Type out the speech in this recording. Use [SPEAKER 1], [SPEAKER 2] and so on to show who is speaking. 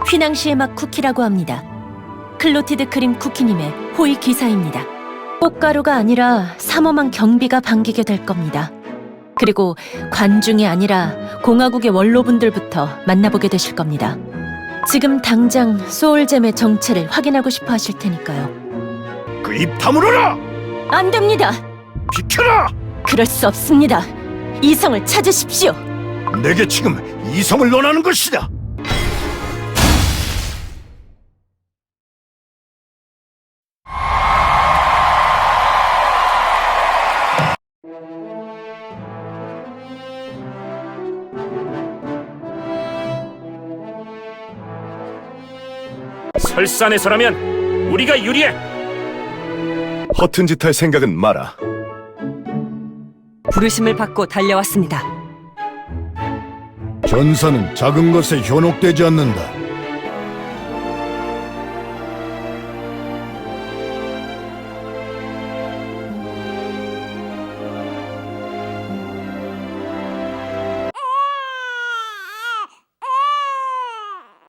[SPEAKER 1] 휘낭시의 맛 쿠키라고 합니다. 클로티드 크림 쿠키님의 호의 기사입니다. 꽃가루가 아니라 삼엄한 경비가 반기게 될 겁니다. 그리고 관중이 아니라 공화국의 원로분들부터 만나보게 되실 겁니다. 지금 당장 소울잼의 정체를 확인하고 싶어 하실 테니까요.
[SPEAKER 2] 그 입 다물어라!
[SPEAKER 1] 안 됩니다!
[SPEAKER 2] 비켜라!
[SPEAKER 1] 그럴 수 없습니다. 이성을 찾으십시오.
[SPEAKER 2] 내게 지금 이성을 논하는 것이다.
[SPEAKER 3] 설산에서라면 우리가 유리해.
[SPEAKER 2] 허튼 짓 할 생각은 마라.
[SPEAKER 4] 부르심을 받고 달려왔습니다.
[SPEAKER 2] 전사는 작은 것에 현혹되지 않는다.